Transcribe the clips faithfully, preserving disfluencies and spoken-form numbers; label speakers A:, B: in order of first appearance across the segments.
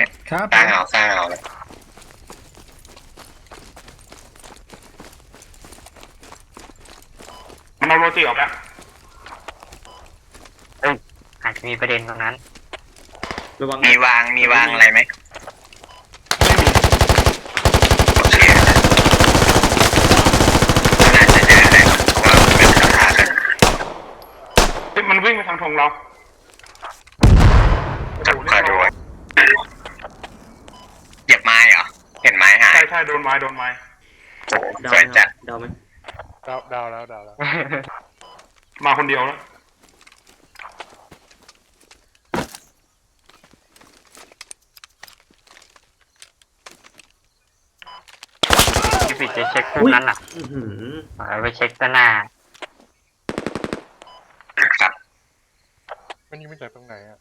A: ครับ
B: สร้างเอาสร้างเอาเลย
C: มันเอาโรตีออกแล้ว
D: เอ้ยอาจจะมีประเด็นตรงนั้น
E: ระวัง
B: มีวางมีวางอะไรไหมโอเคน่าจะเจอแหละว่ามันเป็นปัญหากัน
C: เฮ้ยมันวิ่งไปทางธงเรา
B: กับคอยดูเหยียบไม้เหรอเห็นไม้หาย
C: ใช่ใช่โดนไม้โดนไม้
B: โอ้โห
E: เดา
B: สวย
E: ไหม
B: จัด
E: เดาไหม
F: เดาเดาแล้วเดาแล้ว
C: มาคนเดียวแล้ว
D: พี่ปิดจะเช็คพวกนั้นอ่ะ
E: อื้อหือ
D: เอาไปเช็คด้านหน้า
B: ครับ
F: มันยิงมาจากตรงไหนอ่ะ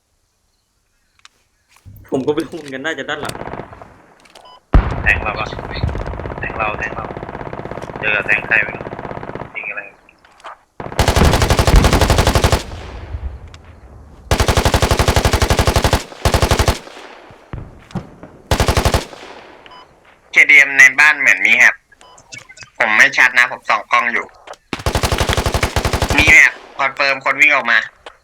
E: ผมก็ไปหุ้นกันน่าจะด้านหลัง
G: แทงเราปะแทงเราแทงเราเจอกับแทงใครไม่รู้ยิงอะไร
B: เคดีเอ็มในบ้านเหมือนมีแฮบผมไม่ชัดนะผมส่องกล้องอยู่ มีแฮบคอนเฟิร์มคนวิ่งออกมา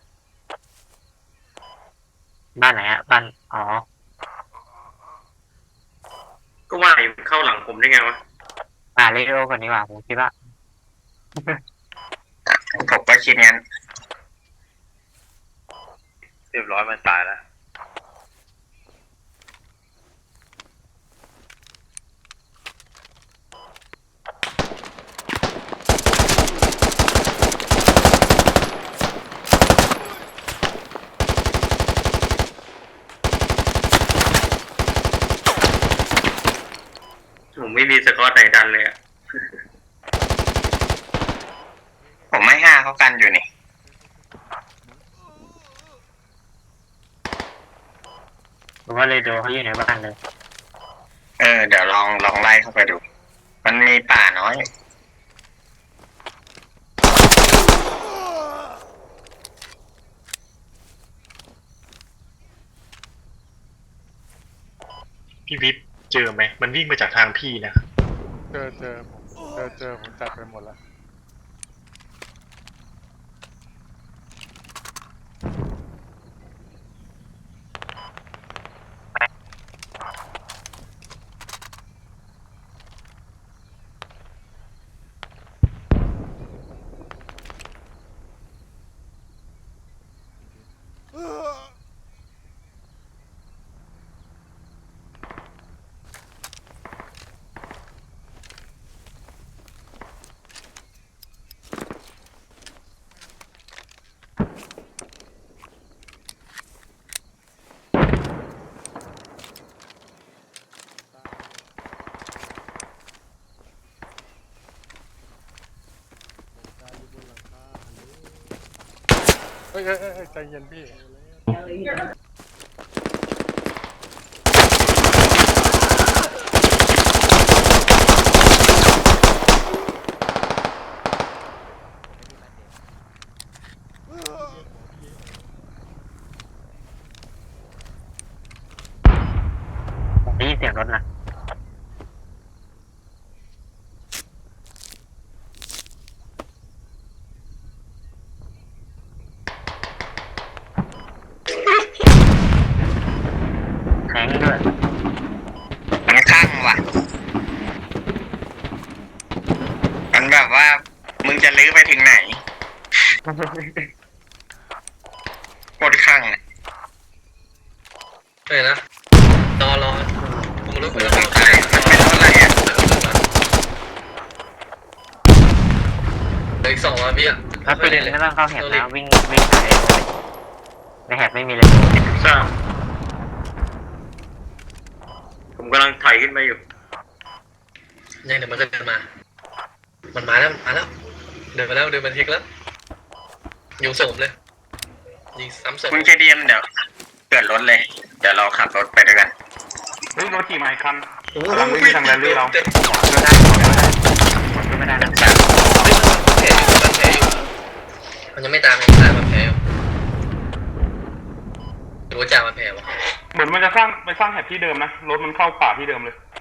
D: บ้านไหนอ่ะบ้านอ๋อ
E: ก็ว่าอยู่เข้าหลังผมได้ไงวะ
D: อ่าเรดิโอก่อนดีกว่าผมคิดว่า
B: ผมก็คิดงั้น
G: เรียบร้อยมันตายแล้ว
E: ผมไม่มีสกอตไหนดันเลยอะ
B: ผมไม่ห้าเขากันอยู่นี่
D: ผมว่าเรดิโอเขาอยู่ในบ้านเลย
B: เออเดี๋ยวลองลองไล่เข้าไปดู มันมีป่าน้อย
H: พี่วิทย์เจอไหม มันวิ่งมาจากทางพี่นะ
F: เจอเจอผมเจอเจอผมจัดไปหมดแล้ว เฮ้ยเฮ้ยเฮ้ยใจเย็นพี่
D: ผมได้ยินเสียงรถนะแทงด้วย
B: มันข้างว่ะ มันแบบว่า มึงจะลื้อไปถึงไหนโคตรข้างเลย
G: เฮ้ยนะรอรอผมรู้
B: มั
G: แล้
B: น
G: ว
B: เป็นอะไรอ่ะ
G: เหลืออีกสองวันพี่อ่ะ
D: ถ้า
G: ไม่
D: เป็น
G: เล่นเลย
D: ไม่ต้องเข้าแหบนะวิ่งวิ่งหาเรดิโอเลยในแหบไม่มีเลย
E: ทราบผมกำลังไถขึ้นไปอยู่
G: ยังเดี๋ยวมันก็เดินมา มันมาแล้วมาแล้วเดินมาแล้วเดินมาทิกแล้วยิงศพเลยยิงซ้ำศพ
B: คุณเคดีเอ็มเดี๋ยวเกิดรถเลย เดี๋ยวเราขับรถไปด้วยกัน
C: เฮ้ยโรตีมาอีกคันกำลังวิ่งไปทางแรลลี่เรา
G: เต็ม
D: ก็ได้ก็ไม่ได้นะ
G: แผลอยู่มันแผลอยู่มันยังไม่ตามยังไม่ตามมันแผลอยู่หรือว่าจ่ามันแผลวะ
C: เหมือนมันจะสร้างไปสร้างแถบที่เดิมนะรถมันเข้าป่าที่เดิมเลย